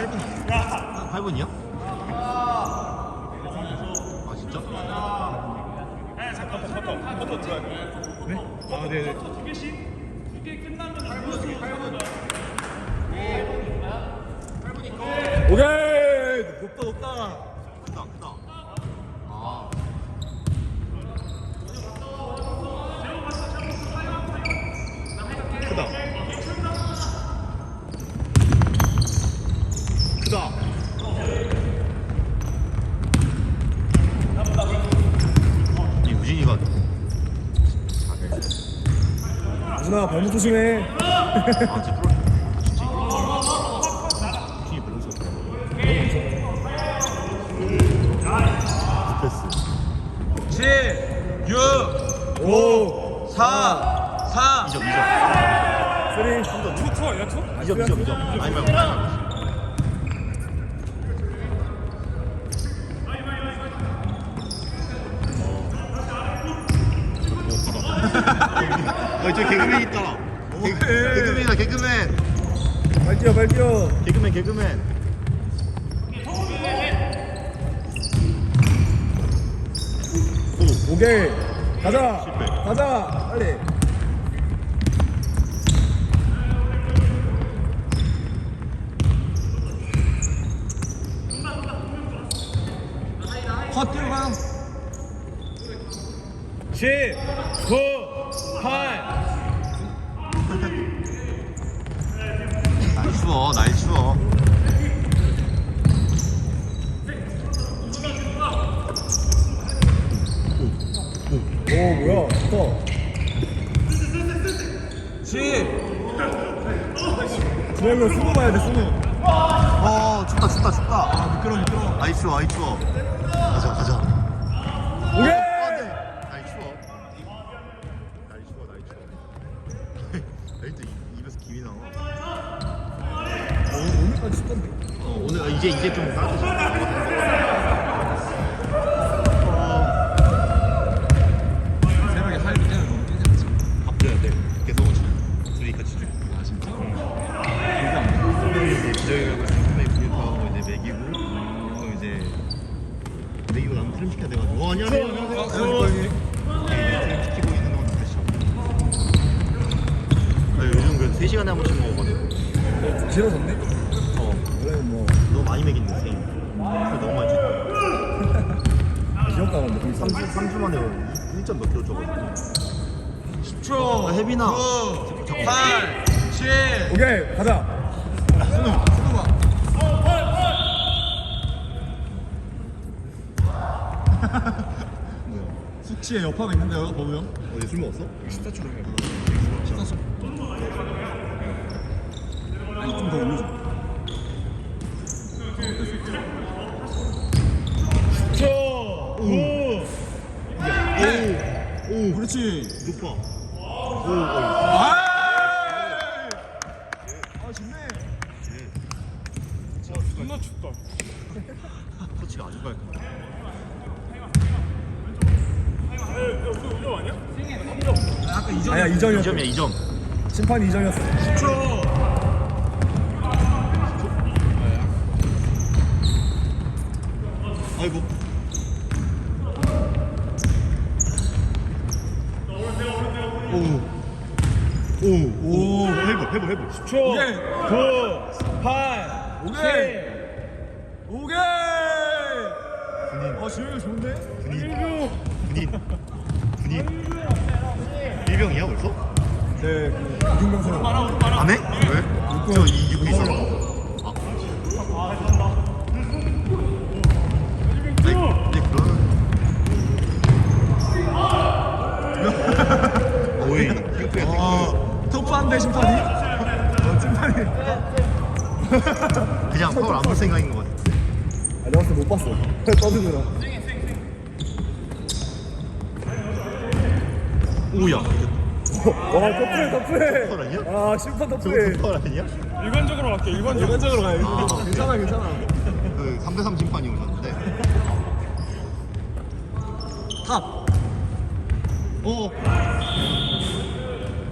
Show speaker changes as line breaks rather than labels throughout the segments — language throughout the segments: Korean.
8분이야? 8분이야? 아 진짜?
네? 아 네네. 오케이 높다 높다.
크다 크다. 아 크다. 크다. 이 우진이가
누나 발목 조심해.
아 진짜 프로 진짜 우진이 밸런스 없다. 스트레스
7, 6,
5
4, 3.
2점
3
투 아니야 투?
2점 아니 말고 저 개그맨 있다. 개그맨이다 개그맨.
발 뛰어 발 뛰어.
개그맨.
오케이 가자
실패.
가자 빨리.
컷 뛰어가. 10, 9, 8.
날 추워.
오 뭐야 좋다.
10.
준영이 스무 봐야 돼 스무.
춥다.
아 미끄러워.
아이 추워. 가자.
오케이.
날 추워. 날 또 입에서 김이 나와.
오늘까지 춥던데.
오늘 이제 좀 따뜻해.
새벽에 할 때는 너무 깨졌지.
밥 줘야 돼. 계속 둘이 같이 줘. 아 진짜? 기저귀하고 상큼하게 구입하고 이제 먹이고 또 이제 먹이고 나면 트림 시켜야 돼가지고. 안녕하세요. 트림 시키고 있는 동안 다시 요즘 그래도 3시간에 한 번씩 먹어가지고.
길어졌네. 원래는 뭐
너무 많이 먹이는데 선생님. 너무 많이 줬다.
기억 가는데 거기
3주 만에 1점 몇 킬로 줘가지고.
10초.
혜빈아.
9, 8, 7.
오케이 가자.
스누가.
숙취에 여파가 있는데요 보면.
어제 술 먹었어?
14초로 해. 14초. 아니 좀 더 올려줘.
10초. 9.
오
그렇지.
높아.
아!
아 좋네.
존나 춥다.
터치가 아주 깔끔해.
아까 2점.
아야 2점이었어.
2점이야 2점.
심판이 2점이었어.
10초.
아이고. 오 해볼.
10초.
오케이.
9, 8,
오케이.
7.
오케이.
군인.
지영이 좋은데?
군인. 일병이야 벌써?
네. 이중병사로.
안 해? 왜? 저 이기고 있어. 네 그러면. 오이.
터프한데 심판이? 심판이.
그냥 파울 안볼 생각인 것 같아.
아 내가 봤을 때 못 봤어. 떠드느라.
오야.
와 터프해.
파울 아니야?
아 심판
저거
터프해.
파울 아니야?
일반적으로 갈게.
일반적으로 가야 돼.
아.
괜찮아.
그 3대3 심판이 오셨는데.
탑.
어?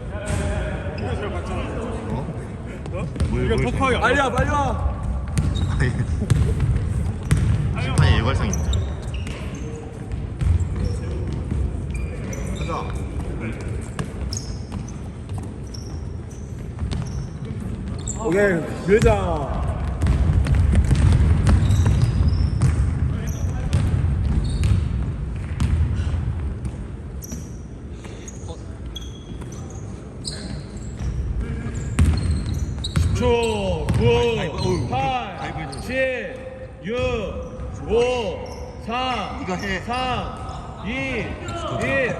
이거 잘 봤잖아.
뭘
토크하기 안
빨리 와.
심판의 일관성이 있네.
가자. 오케이, 밀자.
초, 9,
어우,
8,
가위바위보 해줘.
7, 6, 5, 4,
이거 해.
3, 2, 1.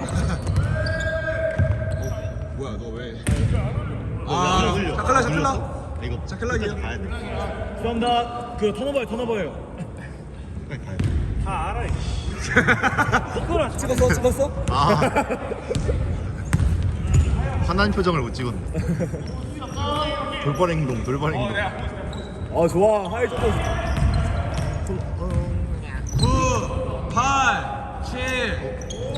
뭐야, 너 왜?
아,
샤클라, 샤클라.
이거
샤클라기야?
끝까지 가야 돼.
죄송합니다. 그 턴오버예요.
끝까지 가야 돼.
다 알아.
찍었어?
아. 화난 표정을 못 찍었네. 돌발 행동.
아, 좋아. 하이 좀.
9, 8, 7.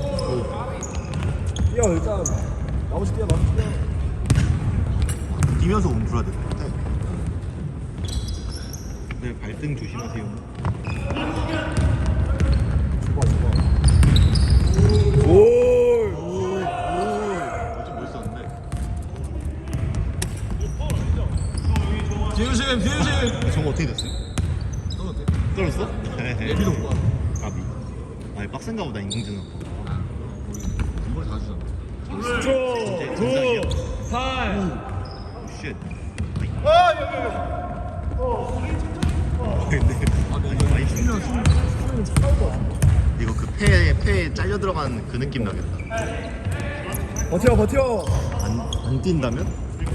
뛰어, 일단. 나머지 뛰어.
뛰면서 움풀어야 될 것 같아. 네, 발등 조심하세요.
좋아. 오.
좀 멋있었는데.
뒤에 조심.
저거 어떻게 됐어요? 떨어졌어?
예비도 못 봐.
까비. 아니 빡센가 보다 인공지능.
이걸 다 주잖아.
10초, 9, 8.
쉣. 근데 아니 많이
수면 차가울 것 같아.
이거 그 폐에 잘려 들어간 그 느낌 나겠다.
버텨.
안 뛴다면?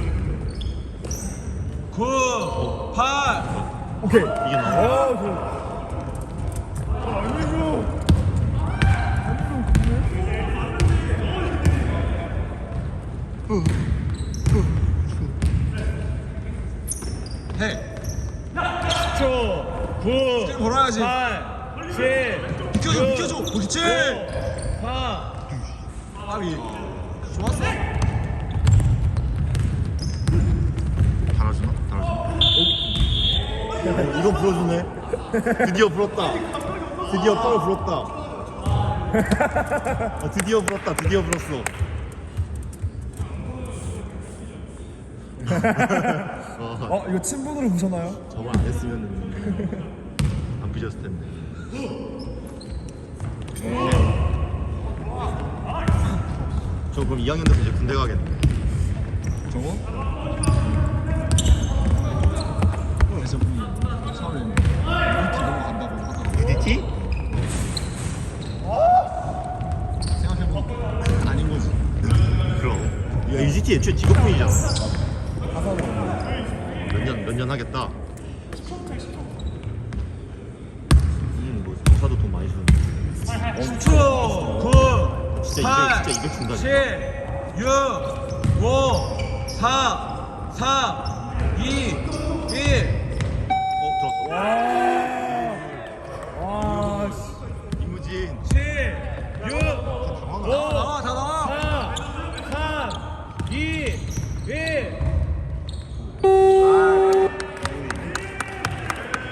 9, 8.
오케이.
이게 나와.
좋아. 해.
10초, 9,
걸어야지.
8, 7.
비켜줘. 그렇지.
4.
아비. 좋았어.
달아주나? 이거 불어주네. 드디어 불었다. 드디어 뻘 불었다. 드디어 불었어.
이거 친분으로 보셨나요?
저걸 안 했으면 안 삐졌을 텐데. 저 그럼 2학년 돼서 이제 군대 가겠네.
저거? 그래서 처음에 UT 넘어간다고 하다가
UDT?
생각해보니까 아닌 거지.
그럼. 야, UDT 애초에 직업군이잖아.
하사는
몇 년 하겠다. 뭐 조사도 돈 많이 주는데.
10초, 9,
진짜
8,
200 준다.
7, 6, 5, 4, 3, 2, 1.
들었어.
와.